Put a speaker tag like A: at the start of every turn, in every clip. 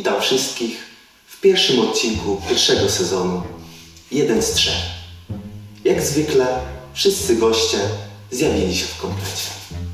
A: Witam wszystkich w pierwszym odcinku pierwszego sezonu. 1 z 3. Jak zwykle wszyscy goście zjawili się w komplecie.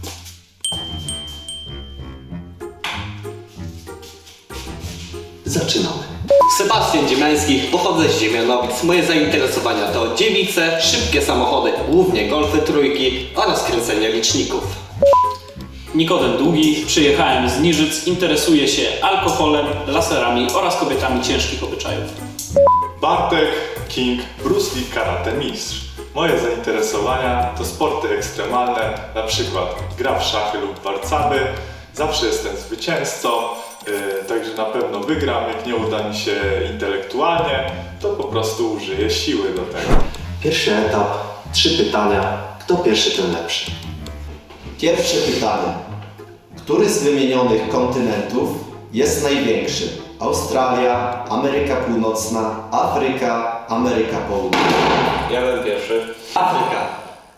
A: Zaczynamy.
B: Sebastian Dziemiański, pochodzę z Ziemianowic. Moje zainteresowania to dziewice, szybkie samochody, głównie golfy trójki oraz kręcenie liczników.
C: Nikodem Długi, przyjechałem z Niżyc, interesuję się alkoholem, laserami oraz kobietami ciężkich obyczajów.
D: Bartek King, Bruce Lee karate mistrz. Moje zainteresowania to sporty ekstremalne, na przykład gra w szachy lub warcaby. Zawsze jestem zwycięzcą, także na pewno wygram. Jak nie uda mi się intelektualnie, to po prostu użyję siły do tego.
A: Pierwszy etap, 3 pytania. Kto pierwszy, ten lepszy.
E: Pierwsze pytanie. Który z wymienionych kontynentów jest największy? Australia, Ameryka Północna, Afryka, Ameryka Południowa.
B: Ja byłem pierwszy. Afryka.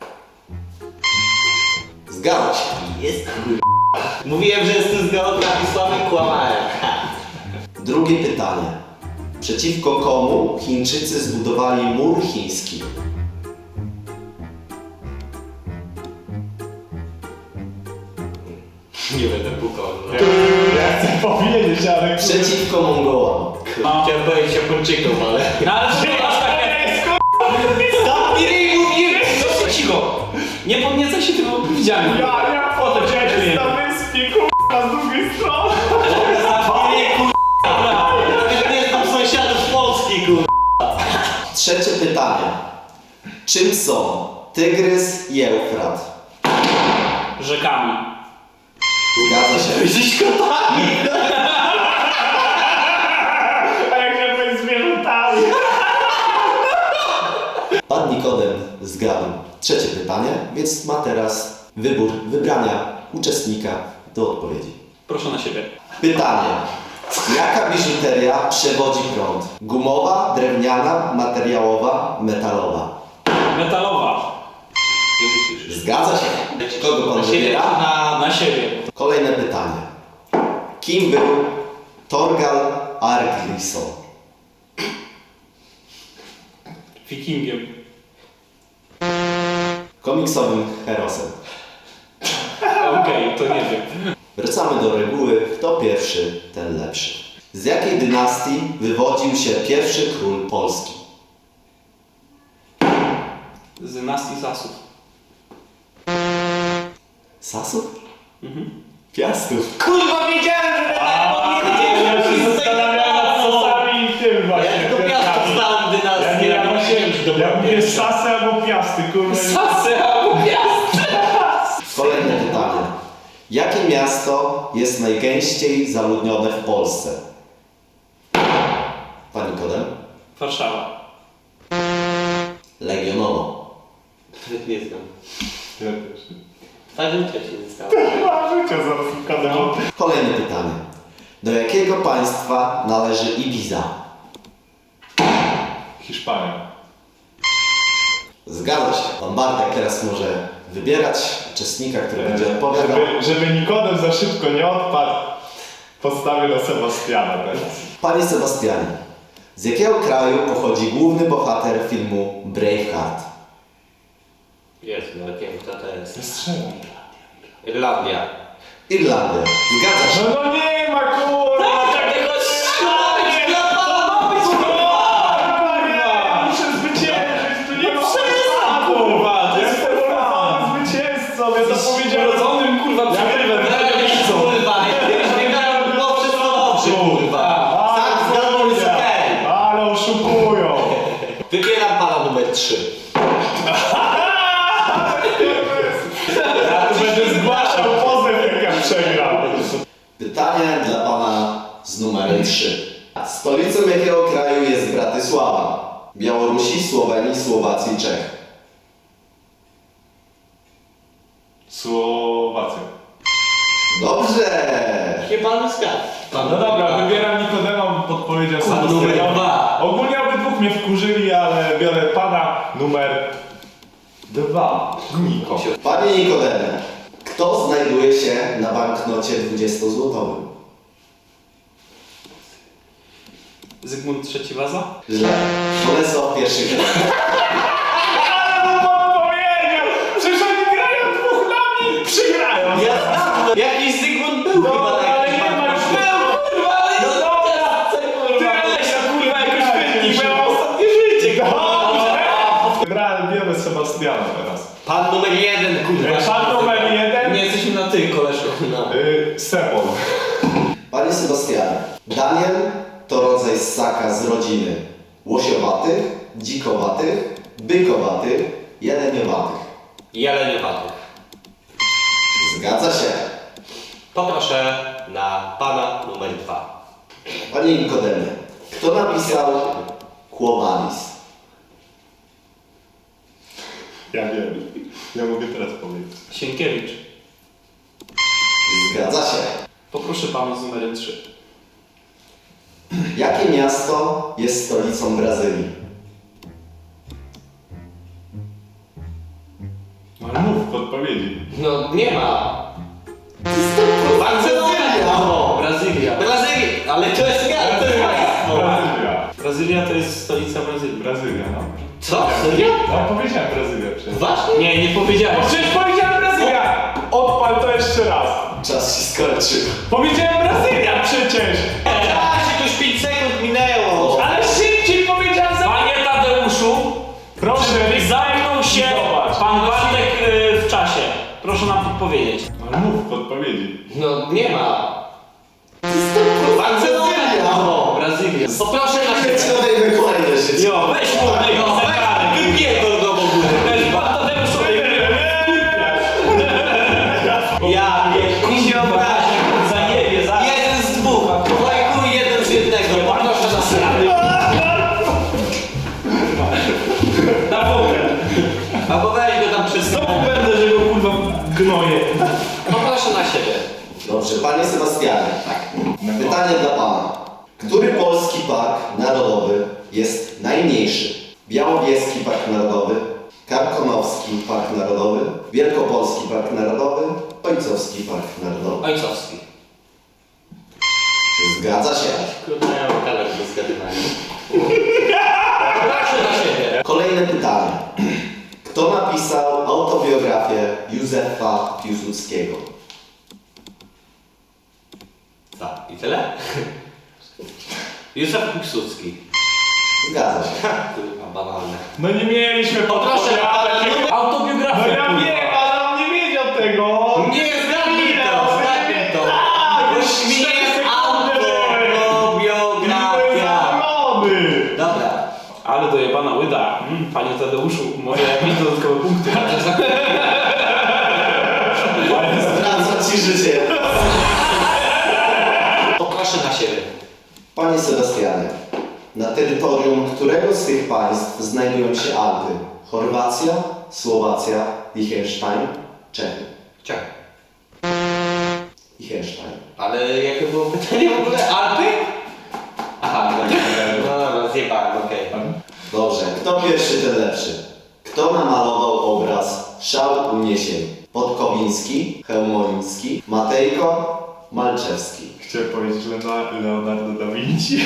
E: Zgadza się.
B: Jest Mówiłem, że jestem z geografii słaby, kłamałem.
E: Drugie pytanie. Przeciwko komu Chińczycy zbudowali mur chiński?
B: Nie będę pukał.
D: Ja chcę powiedzieć, ale...
E: Przeciwko Mongołom.
B: Chciałem powiedzieć Japończykom, ale...
C: No ale to aż takie... Cicho! Nie podniecaj się, tylko widziałem.
D: Ja powiedziałem na wyspie, z drugiej strony.
B: Nawet nie znam sąsiadów z Polski,
E: Trzecie pytanie. Czym są Tygrys i Eufrat?
C: Rzekami.
E: Zgadza się.
B: Jesteś kotami!
D: A jak ja powiem zwierzętami?
E: Pan Nikodem zgadł trzecie pytanie, więc ma teraz wybór wybrania uczestnika do odpowiedzi.
C: Proszę na siebie.
E: Pytanie. Jaka biżuteria przewodzi prąd? Gumowa, drewniana, materiałowa, metalowa?
C: Metalowa.
E: Zgadza się. Kogo pan wybiera?
C: Na siebie.
E: Kolejne pytanie. Kim był Thorgal Argrisson?
C: Wikingiem.
E: Komiksowym herosem.
C: Okej, to nie wiem.
E: Wracamy do reguły. Kto pierwszy, ten lepszy. Z jakiej dynastii wywodził się pierwszy król Polski?
C: Z dynastii Sasów.
E: Sasów? Piastów.
B: Kurwa, wiedziałem, że tak powiedzieć!
D: Ja się zastanawiam nad sosami i tym właśnie.
B: Ja tylko piastów znałem dynastię,
D: Ja mówię sasy albo piasty, kurwa.
C: Sasy albo Piast.
E: Kolejne pytanie. Jakie miasto jest najgęściej zaludnione w Polsce? Pan Nikodem?
C: Warszawa.
E: Legionowo.
B: Nie znam.
D: Ja też.
B: Fajnym trzeci nie znam.
D: Życia zaraz ukazał.
E: Kolejne pytanie. Do jakiego państwa należy Ibiza?
D: Hiszpania.
E: Zgadza się. Pan Bartek teraz może wybierać uczestnika, który będzie odpowiadał.
D: Żeby Nikodem za szybko nie odpadł, postawię na Sebastiana teraz.
E: Panie Sebastianie, z jakiego kraju pochodzi główny bohater filmu Braveheart?
B: Jest, no wiem kto to jest.
D: Strzelam.
B: Irlandia.
E: Irlandia. Zgadza się.
D: No nie ma kurwa!
B: Takiego
D: Ja muszę zwyciężyć, tu nie ma kurwa! Jestem urodzony zwycięzcą, ja to powiedziałem.
C: Urodzonym kurwa przegrywem.
B: Kurwa, jakbyś wygrał, było wszystko dobrze, kurwa. Sam zgadł, jest okej.
D: Ale oszukują!
B: Wybieram pana numer 3.
D: Ja tu będę zgłaszał pozew, jak ja przegram.
E: Pytanie dla pana z numerem 3. Stolicą jakiego kraju jest Bratysława? Białorusi, Słowenii, Słowacji, Czech.
D: Słowacja.
E: Dobrze!
B: Chyba nie zgadł.
D: No dobra, wybieram Nikodema, podpowiedział
B: Pan
D: sam
B: numer
D: sobie.
B: 2.
D: Ogólnie obydwóch mnie wkurzyli, ale biorę pana numer 2. Niko.
E: Panie Nikodemie, kto znajduje się na banknocie 20-złotowym?
C: Zygmunt III Waza?
E: Źle. Bolesław I Chrobry.
D: Przecież oni grają dwóch nami i przegrają.
B: Jakiś Zygmunt był chyba taki.
D: Ale nie ma już kurwa, jakoś świetnie, bo ja mam ostatnie życie. Biorę Sebastiana teraz.
B: Pan numer 1, kurwa.
D: Pan numer 1.
C: Nie jesteśmy na ty, koleżko.
B: No.
D: Sebon.
E: Panie Sebastianie, Daniel to rodzaj ssaka z rodziny łosiowatych, dzikowatych, bykowatych, jeleniowatych.
B: Jeleniowatych.
E: Zgadza się.
B: Poproszę na pana numer 2.
E: Panie Nikodemie, kto napisał Quo Vadis?
D: Ja wiem. Ja mogę teraz powiedzieć.
C: Sienkiewicz.
E: Zgadza się.
C: Poproszę pana z numerem 3.
E: Jakie miasto jest stolicą Brazylii?
D: Ale mów podpowiedzi.
B: No nie ma. Barcelona!
C: O, Brazylia.
B: Brazylia! Ale to jest miasto, to jest państwo!
D: Brazylia.
C: Brazylia to jest stolica Brazylii.
D: Brazylia, no.
B: Co? Serio?
D: No powiedziałem Brazylia przecież.
B: Właśnie?
C: Nie, nie powiedziałeś.
D: Przecież powiedziałem Brazylia! Odpal to jeszcze raz.
E: Czas się skończył.
D: Powiedziałem Brazylia przecież!
B: Czasie, już 5 sekund minęło!
D: Ale szybciej powiedziałem za...
C: Panie Tadeuszu,
D: Proszę,
C: zamknął się
D: zobacz.
C: pan Bartek w czasie. Proszę nam podpowiedzieć.
D: Ale mów podpowiedzi.
B: No nie ma. Barcelona!
C: O, Brazylia.
B: Poproszę na siebie.
E: Przejdźmy kolejne życie.
C: Jo, weź mu tego zegarek.
B: Wypierdol go w ogóle.
C: Weź pan Tadeusz sobie
B: Ja nie, mi się obraził.
C: zajebie, za...
B: Jeden z dwóch. Lajkuj jeden z jednego. Poproszę na siebie.
C: Na wołkę.
B: Albo weź go tam przez
C: Znowu będę, że go kurwa gnoję.
B: Poproszę na siebie.
E: Dobrze, panie Sebastianie. Pytanie dla pana. Który polski park narodowy jest najmniejszy? Białowieski Park Narodowy, Karkonoski Park Narodowy, Wielkopolski Park Narodowy, Ojcowski Park Narodowy.
B: Ojcowski.
E: Zgadza się.
B: Kurde, ja mam talent do zgadywania. Poproszę na siebie.
E: Kolejne pytanie. Kto napisał autobiografię Józefa Piłsudskiego?
B: Co? I tyle? Józef Piłsudski.
E: Zgadza się.
B: Kurwa, banalne.
D: No nie mieliśmy
B: Poproszę na pana numer...
D: No
C: Autobiografia.
D: ja
C: kurwa.
D: wiem, ale on nie wiedział tego.
B: Nie, zgadnij to, zgadnij to. Bo mi jest autobiografia.
D: Zadowolony.
B: Dobra.
C: Ale dojebana łyda. Panie Tadeuszu, może jakieś dodatkowe punkty?
E: Zwraca ci życie.
B: Poproszę na siebie.
E: Panie Sebastianie, na terytorium którego z tych państw znajdują się Alpy? Chorwacja, Słowacja, Liechtenstein, Czechy.
B: Czekaj.
E: Liechtenstein.
B: Ale jakie było pytanie w ogóle? Alpy? Aha, no dobra, zjebałem, okej.
E: Dobrze, kto pierwszy, ten lepszy. Kto namalował obraz Szał uniesień? Podkowiński, Chełmoński, Matejko, Malczewski.
D: Chciałem powiedzieć Leonardo da Vinci.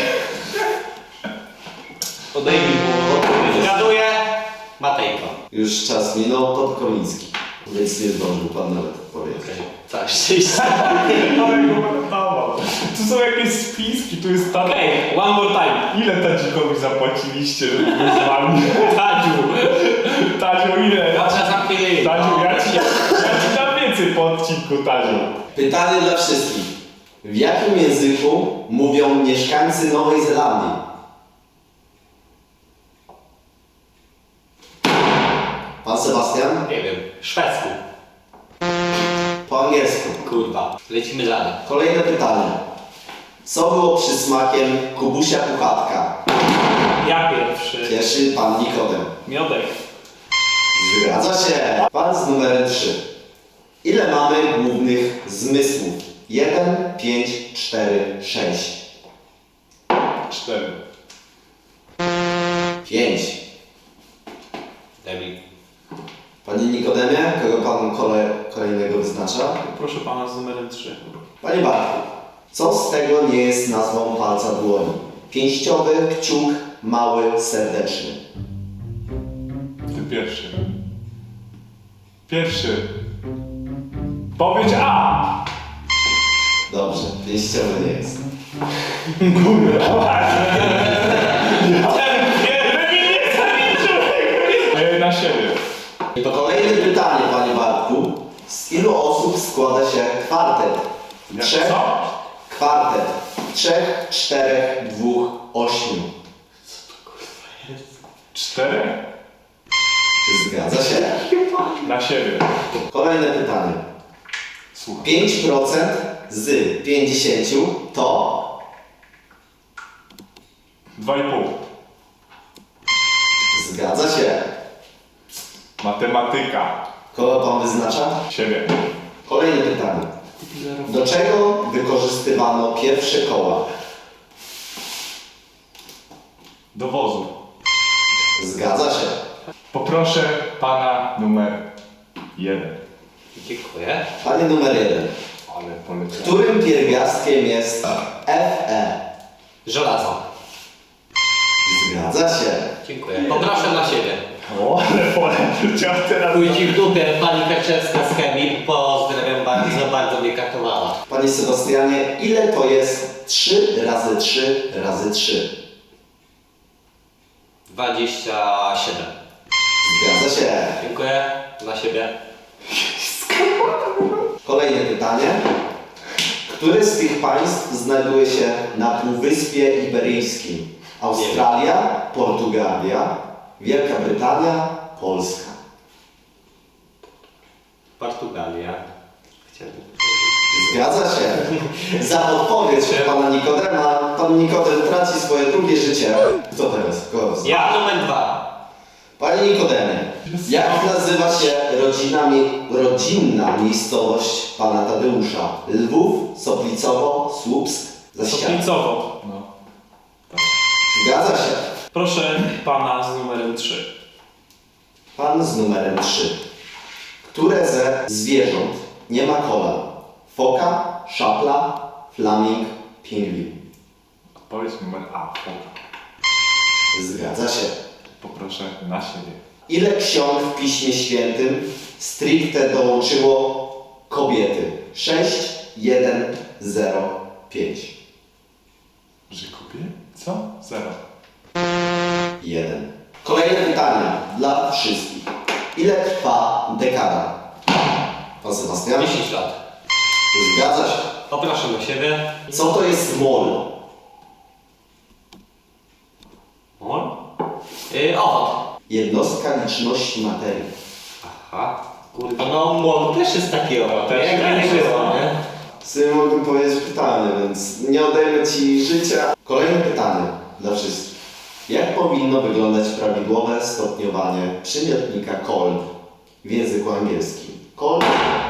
C: Odejmij mu odpowiedź.
B: Zgaduję Matejko.
E: Już czas minął, Podkowiński. Więc nie zdążył pan nawet odpowiedzieć.
B: Całe szczęście.
D: Ale go pamiętawał. Tu są jakieś spiski, tu jest ta...
C: Okej, one more time.
D: Ile Tadzikowi zapłaciliście, żeby był z wami? Tadziu, ile?
B: Dobrze, zamknij.
D: Tadziu, ja ci dam więcej po odcinku, Tadziu.
E: Pytanie dla wszystkich. W jakim języku mówią mieszkańcy Nowej Zelandii? Pan Sebastian?
B: Nie wiem, szwedzku.
E: Po angielsku.
B: Kurwa. Lecimy dalej.
E: Kolejne pytanie. Co było przysmakiem Kubusia Puchatka?
C: Ja pierwszy.
E: Pierwszy pan Nikodem.
C: Miodek.
E: Zgadza się. Pan z numerem 3. Ile mamy głównych zmysłów? 1, 5, 4, 6.
D: 4.
E: 5.
B: Debil.
E: Panie Nikodemie, kogo pan kolejnego wyznacza?
C: Proszę pana z numerem 3.
E: Panie Bartku, co z tego nie jest nazwą palca dłoni? Pięściowy, kciuk, mały, serdeczny.
D: Ty pierwszy. Pierwszy. Powiedz A!
E: Dobrze, pięściowy nie jest.
D: Na siebie.
E: To kolejne pytanie, panie Bartku. Z ilu osób składa się kwartet?
D: Jak
E: Trzech?
D: co?
E: Kwartet. 3, 4, 2, 8.
D: 4?
E: Zgadza się.
D: Na siebie.
E: Kolejne pytanie.
D: Słuchaj.
E: 5% z 50 to
D: 2,5.
E: zgadza się.
D: Matematyka.
E: Kogo pan wyznacza?
D: Siebie.
E: Kolejne pytanie. Do czego wykorzystywano pierwsze koła?
D: Do wozu.
E: Zgadza się.
D: Poproszę pana numer 1.
B: Dziękuję.
E: Panie numer 1.
D: Ale poleciałem.
E: Którym pierwiastkiem jest Fe?
B: Żelazo.
E: Zgadza się.
B: Dziękuję. Poproszę na siebie.
D: O, ale poleciał teraz.
B: Pójdź w dupie, pani Kaczewska z chemii. Pozdrawiam bardzo, bardzo mnie katowała.
E: Panie Sebastianie, ile to jest 3 razy 3 razy 3?
B: 27.
E: Zgadza się.
B: Dziękuję. Na siebie.
E: Kolejne pytanie. Które z tych państw znajduje się na Półwyspie Iberyjskim? Australia, Portugalia, Wielka Brytania, Polska.
B: Portugalia. Chciałbym.
E: Zgadza się. Za odpowiedź pana Nikodema, pan Nikodem traci swoje drugie życie. Kto teraz? Kogo?
B: Ja numer 2.
E: Panie Nikodemie, jak nazywa się rodzinna miejscowość pana Tadeusza? Lwów, Soplicowo, Słupsk, Zaściana.
C: Soplicowo.
D: No.
E: Zgadza się.
C: Proszę pana z numerem 3.
E: Pan z numerem 3. Które ze zwierząt nie ma kolan? Foka, szapla, flaming, pingwin.
D: Odpowiedź numer A.
E: Zgadza się.
D: Poproszę na siebie.
E: Ile ksiąg w Piśmie Świętym stricte dołączyło kobiety? 6, 1, 0, 5.
D: Że kupię? Co? 0.
E: 1. Kolejne pytania dla wszystkich. Ile trwa dekada? Pan Sebastian?
B: 10 lat.
E: Zgadza się.
B: Poproszę na siebie.
E: Co to jest mol?
B: Mol? Owad.
E: Jednostka liczności materii.
B: Aha. Kurwa, no mol też jest taki owad.
D: Też
B: Jak nie
D: jest.
B: było, nie?
E: Sobie mogłem powiedzieć pytanie, więc nie odejmę ci życia. Kolejne pytanie dla wszystkich. Jak powinno wyglądać prawidłowe stopniowanie przymiotnika cold w języku angielskim? Cold?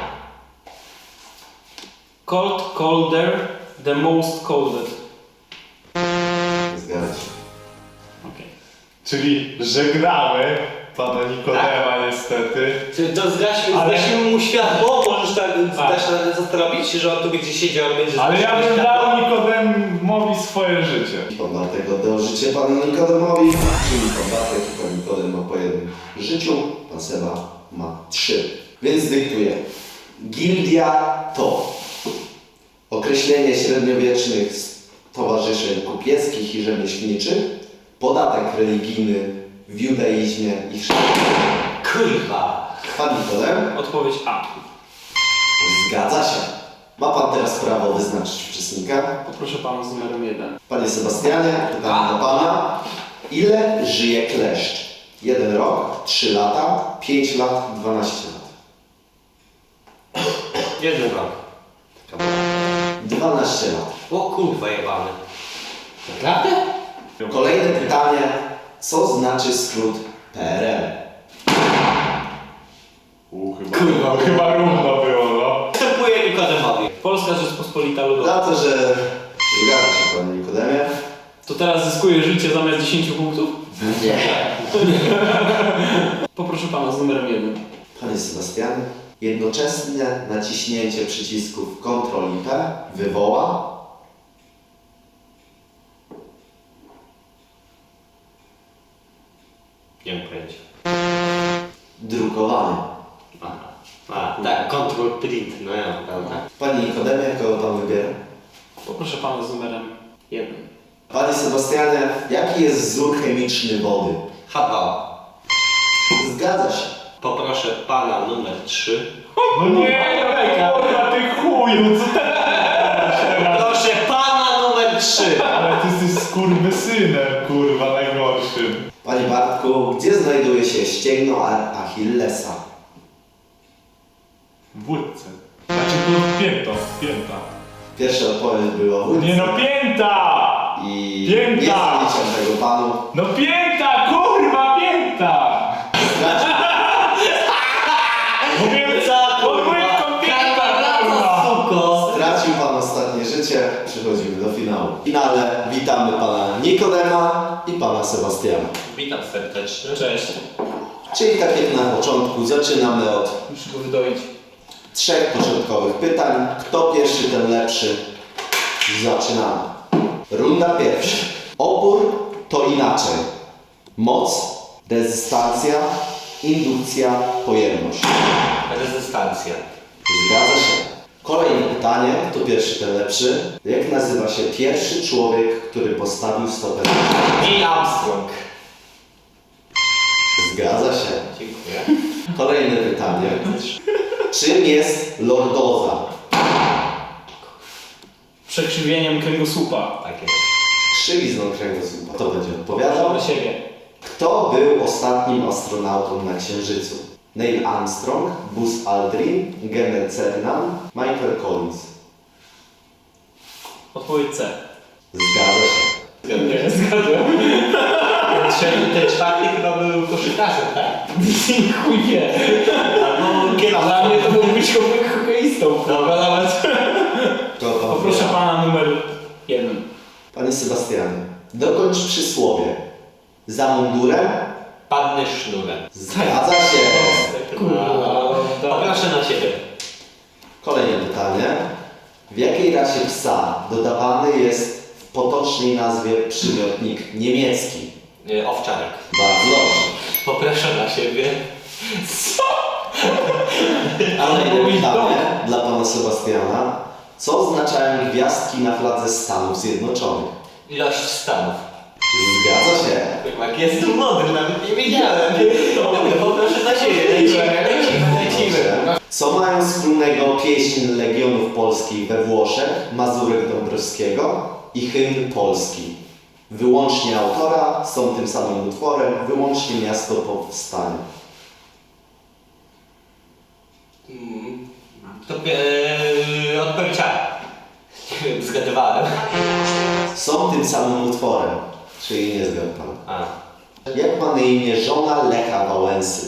C: Cold, colder, the most colded.
E: Zgadza się.
C: Okay.
D: Czyli żegnamy pana Nikodema niestety.
B: Czy to
D: Ale-
B: zgasimy mu światło? Możesz tak
C: Tak.
B: dasz radę zastanowić, że on tu będzie siedział, ale będzie
D: Ale ja
B: zgasił
D: bym
B: światło?
D: dał Nikodemowi swoje życie.
E: Pan Bartek oddał życie panu Nikodemowi, czyli pan Bartek i pan Nikodem ma po jednym życiu, pan Seba ma 3. Więc dyktuję. Gildia to określenie średniowiecznych stowarzyszeń kupieckich i rzemieślniczych, podatek religijny w judaizmie i chrześcijaństwie.
B: Kurwa.
E: Pan Nikodem?
C: Odpowiedź A.
E: Zgadza się. Ma pan teraz prawo wyznaczyć uczestnika.
C: Poproszę pana z numerem 1.
E: Panie Sebastianie, pytanie do pana. Ile żyje kleszcz? 1 rok, 3 lata, 5 lat, 12 lat.
B: 1 rok.
E: 12 lat.
B: O kurwa jebany. Naprawdę?
E: Kolejne pytanie. Co znaczy skrót PRL?
D: Chyba równo było, no.
B: Wstępuję Nikodemowi.
C: Polska Rzeczpospolita Ludowa.
E: Za to, że zgadza się panie Nikodemie.
C: To teraz zyskuje życie zamiast 10 punktów?
E: Nie.
C: Poproszę pana z numerem 1.
E: Panie Sebastianie, jednoczesne naciśnięcie przycisków Ctrl i P wywoła
B: Nie mam pojęcia.
E: Drukowany.
B: A, tak, control print, no ja, prawda.
E: Panie Nikodemie, kogo pan wybiera?
C: Poproszę pana z numerem 1.
E: Panie Sebastianie, jaki jest wzór chemiczny wody?
B: H2.
E: Zgadza się.
B: Poproszę pana numer 3.
D: No nie, kurwa, ty chuju, co ty?
B: Proszę pana numer 3.
D: Ale ty jesteś skurwysynem, kurwa, najgorszym.
E: Panie Bartku, gdzie znajduje się ścięgno Achillesa?
D: W wódce. Znaczy tu pięta.
E: Pierwsza odpowiedź była wódce.
D: Nie no, pięta!
E: I
D: Pięta!
E: nie zaliczam tego panu.
D: No pięta, kurwa, pięta! Mówię, podwójką pięta, kurwa!
B: Suko.
E: Stracił pan ostatnie życie, przechodzimy do finału. W finale witamy pana Nikodema i pana Sebastiana.
B: Witam serdecznie.
C: Cześć.
E: Czyli tak jak na początku, zaczynamy od
C: Muszę go wydoić.
E: 3 początkowych pytań. Kto pierwszy, ten lepszy. Zaczynamy. Runda pierwsza. Opór to inaczej. Moc, rezystancja, indukcja, pojemność.
B: Rezystancja.
E: Zgadza się. Kolejne pytanie. Kto pierwszy, ten lepszy. Jak nazywa się pierwszy człowiek, który postawił stopę?
B: Neil Armstrong.
E: Zgadza się.
B: Dziękuję.
E: Kolejne pytanie. Czym jest lordoza?
C: Przekrzywieniem kręgosłupa.
B: Tak jest.
E: Krzywizną kręgosłupa. Kto będzie odpowiadał?
C: Na siebie.
E: Kto był ostatnim astronautą na Księżycu? Neil Armstrong, Buzz Aldrin, Gene Cernan, Michael Collins.
C: Odpowiedź C.
E: Zgadza się.
C: Nie, zgadłem.
B: Ten czwarty chyba był koszykarzem, tak?
C: Chuj wie.
B: Albo kierowcą.
C: Dla mnie to był być hokeistą.
B: Dobra, nawet.
E: Kto pan
C: Poproszę
E: wybiera?
C: pana numer 1.
E: Panie Sebastianie, dokończ przysłowie. Za mundurem?
B: Panny sznurem.
E: Zgadza się.
B: Poproszę na siebie.
E: Kolejne pytanie. W jakiej rasie psa dodawany jest w potocznej nazwie przymiotnik niemiecki?
B: Owczarek.
E: Bardzo dobrze.
B: Poproszę na siebie.
E: Kolejne pytanie dla pana Sebastiana. Co oznaczają gwiazdki na fladze Stanów Zjednoczonych?
B: Ilość stanów.
E: Zgadza się.
B: Jak jest tu mądry, nawet nie wiedziałem. Dobra, poproszę na siebie. Lecimy.
E: Co mają wspólnego pieśń Legionów Polskich we Włoszech, Mazurek Dąbrowskiego i hymn Polski? Wyłącznie autora, są tym samym utworem, wyłącznie miasto powstania.
B: To odpowiedź A. Nie wiem, zgadywałem.
E: Są tym samym utworem, czyli nie zgadł pan.
B: A.
E: Jak ma na imię żona Lecha Wałęsy?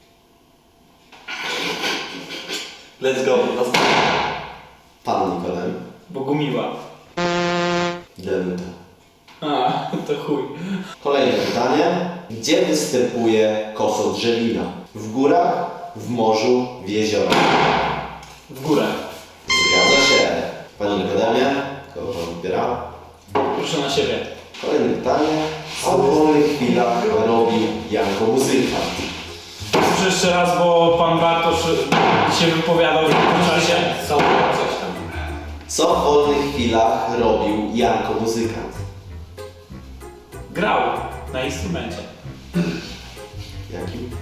B: Let's go.
E: Pan Nikodem.
C: Bogumiła.
E: Denuta.
C: A, to chuj.
E: Kolejne pytanie. Gdzie występuje kosodrzewina? W górach, w morzu, w jeziorach?
C: W górę.
E: Zgadza się. Panie Nikodemie, kogo pan wybiera?
C: Proszę na siebie.
E: Kolejne pytanie. Co w wolnych chwilach robi Janko Muzykant?
C: Proszę jeszcze raz, bo pan Bartosz się wypowiadał w tym czasie.
B: Są coś tam.
E: Co w wolnych chwilach robił Janko Muzykant?
C: Grał na instrumencie.
E: Jakim?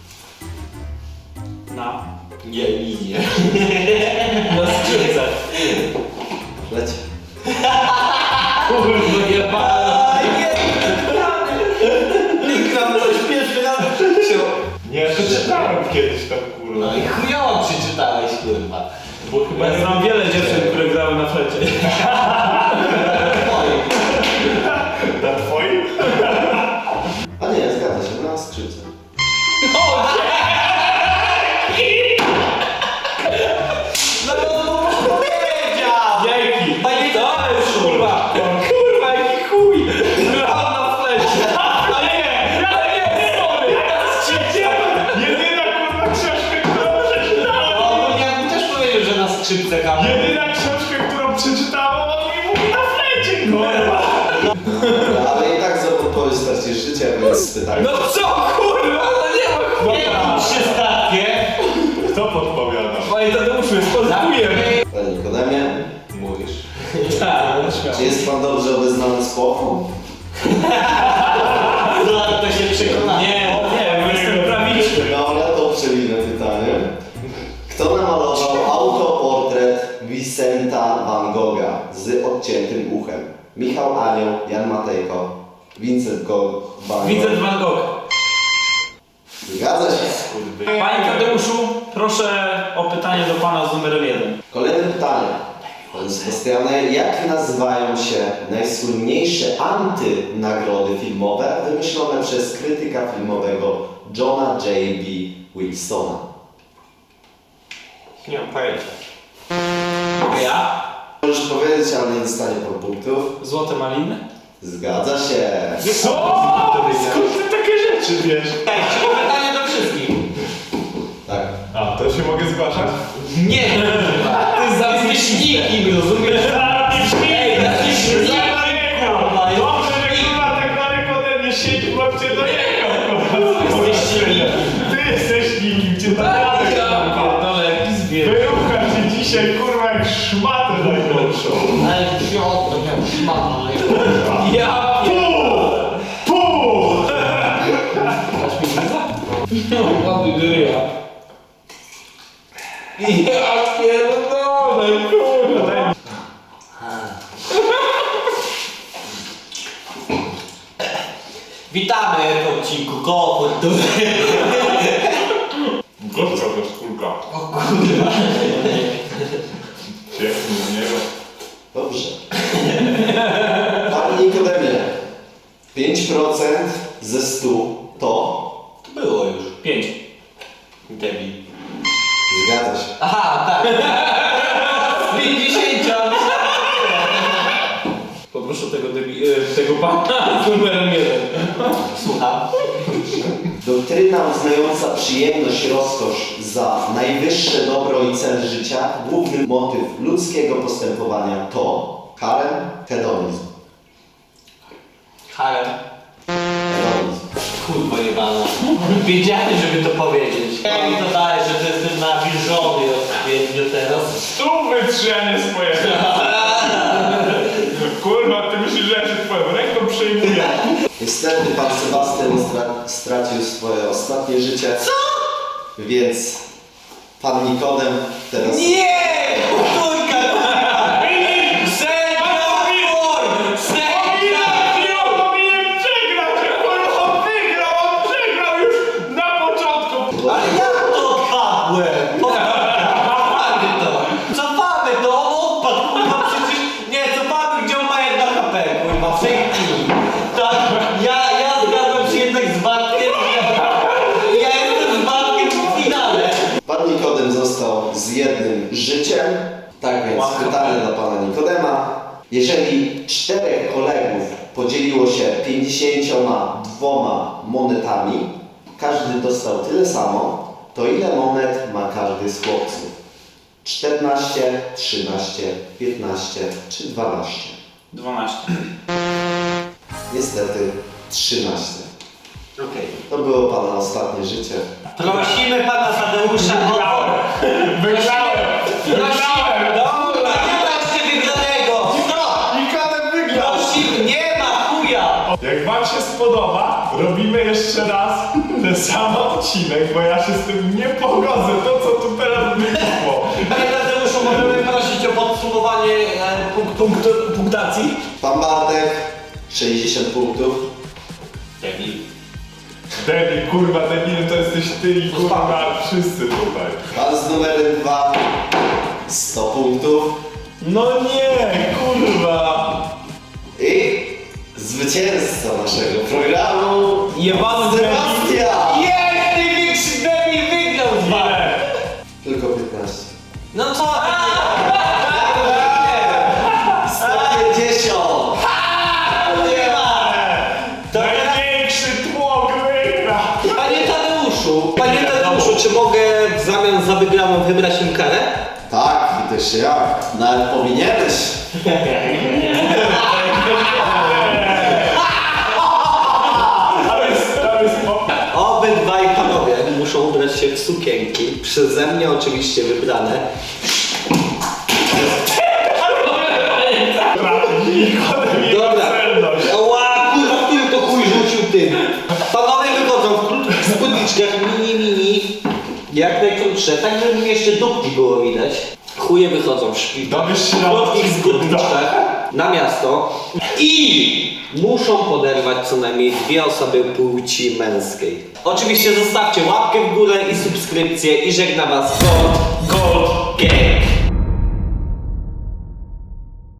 C: Na
B: Nie.
C: na skrzypce.
E: Lecie.
C: Kurwa, jebana.
B: Gram coś pierwszy raz w życiu.
D: Nie, przeczytałem kiedyś tam, kurwa.
B: No i chujowo przeczytałeś, kurwa.
D: Bo chyba
C: Ja znam wiele dziewczyn, które grały na flecie.
D: na twoim?
E: A nie, zgadza się, na skrzypce.
C: Dzięki.
B: Panie,
C: To jest kurwa. Kurwa, jaki chuj. Grał na flecie. Ale nie, sorry.
D: Jedyna, kurwa, książka, którą przeczytałem!
B: no ja bym też powiedział, że na skrzypce gram.
D: Jedyna książka, którą przeczytałem, on mi mówi na flecie, kurwa!
E: Ale i tak za podpowiedź stracisz życie, więc pytanie.
C: No co kurwa, no nie ma chłopa!
B: Przystatnie.
D: Kto podpowiada?
C: Panie Tadeuszu, jest podwójnie!
E: Panie Nikodemie,
D: Mówisz.
E: czy jest pan dobrze obeznany z pochą?
B: To się przekona.
C: Nie, bo jestem prawiczny.
E: Dobra, to przewinę pytanie. Kto namalował autoportret Vincenta van Gogha z odciętym uchem? Michał Anioł, Jan Matejko, Vincent van Gogh.
C: Vincent van Gogh.
E: Zgadza się.
C: Panie Tadeuszu, proszę o pytanie do pana z numerem 1.
E: Kolejne pytanie. Panie Sebastianie, jak nazywają się najsłynniejsze antynagrody filmowe wymyślone przez krytyka filmowego Johna J.B. Wilsona?
D: Nie mam pojęcia.
C: Ja?
E: Możesz powiedzieć, ale nie dostanie po punktów.
C: Złote maliny?
E: Zgadza się.
D: Co? Skąd ty takie rzeczy wiesz?
B: Pytanie do wszystkich.
E: Tak.
D: A, to się mogę zgłaszać?
B: Nie, ty jesteś nikim, rozumiesz? Ej, jesteś
D: Dobrze, że kurwa tak daleko ode mnie siedzi, bo cię dojechał.
B: Jesteście nikim.
D: Ty jesteś nikim, cię dojechał.
C: Pierdolę, jaki zwierzę.
D: Wyrucham się dzisiaj kurwa jak szmatę najgorszą.
B: Ale wziął, to miał szmata.
C: Ja
D: Pół!
C: Dasz mi gryza? No, ładny gryja. Ja pierdolę, kurwa.
B: Witamy w odcinku Koło Kultury.
D: Gorsza ta skórka.
B: O kurwa.
D: Pięknie z niego.
E: Dobrze. Panie Nikodemie, 5% ze 100 to...
B: To było już.
C: 5.
B: Debil.
E: Zgadza się.
B: Aha, tak. Z 50.
C: Poproszę tego pana z numerem 1.
B: Słucham.
E: Doktryna uznająca przyjemność, rozkosz za najwyższe dobro i cel życia, główny motyw ludzkiego postępowania to harem, hedonizm.
B: Harem.
E: Hedonizm.
B: Kurwa jebana. Wiedziałem, żeby to powiedzieć. Jak mi to daje, że to jestem nawilżony odpowiednio teraz.
D: Stówy trzy, a nie swoje. Kurwa, ty myślisz, że ja się twoją ręką przejmuję.
E: Niestety pan Sebastian stracił swoje ostatnie życie. Co? Więc pan Nikodem teraz...
B: Nie! Kurka!
D: Powinien przegrać, kurwa, on wygrał, on przegrał już na początku.
B: Ale jak to odpadłem? Cofamy to! Cofamy to! On odpadł, kurwa, przecież... Nie, cofamy, gdzie on ma 1 HP, kurwa, w tej chwili. Tak, ja zgadzam się jednak z Bartkiem. Ja jestem z Bartkiem w finale.
E: Pan Nikodem został z jednym życiem. Tak więc pytanie dla pana Nikodema. Jeżeli 4 kolegów podzieliło się 52 monetami, każdy dostał tyle samo, to ile monet ma każdy z chłopców? 14, 13, 15 czy 12?
C: 12.
E: Niestety 13.
B: Okej.
E: To było pana ostatnie życie.
B: Prosimy pana Tadeusza o...
D: Wygrałem! Wygrałem!
B: Dobra, nie ma jeszcze wygranego! Stop!
D: Nikodem wygrał!
B: Prosimy, nie ma chuja!
D: Jak wam się spodoba, robimy jeszcze raz ten sam odcinek, bo ja się z tym nie pogodzę, to co tu teraz wyszło.
B: Panie Tadeuszu, możemy prosić o podsumowanie punktacji?
E: Pan Bartek 60 punktów.
B: Debil.
D: Debil, kurwa, debil to jesteś ty i kurwa wszyscy tutaj.
E: Pan z numerem 2 100 punktów.
C: No nie, kurwa.
E: I zwycięzca naszego programu
C: Jebany debil.
E: Sebastian!
B: Jest! Największy debil wygrał z wami!
E: Tylko 15.
B: No co?
E: 150!
B: Nie ma! To teraz...
D: Największy tłok wygra!
B: Panie Tadeuszu, czy mogę w zamian za wygraną wybrać im karę?
E: Tak, i też jak. Nawet powinieneś.
B: w sukienki, przeze mnie oczywiście wybrane. Dobra. Ła, kurwa, który to chuj rzucił tym. Panowie wychodzą w krótkich spódniczkach, mini, jak najkrótsze, tak żeby mi jeszcze dupki było widać. Chuje wychodzą w
D: Dowiesz się
B: w
D: na
B: krótkich spódniczkach na miasto i muszą poderwać co najmniej 2 osoby płci męskiej. Oczywiście zostawcie łapkę w górę i subskrypcję i żegna was Gold Gang.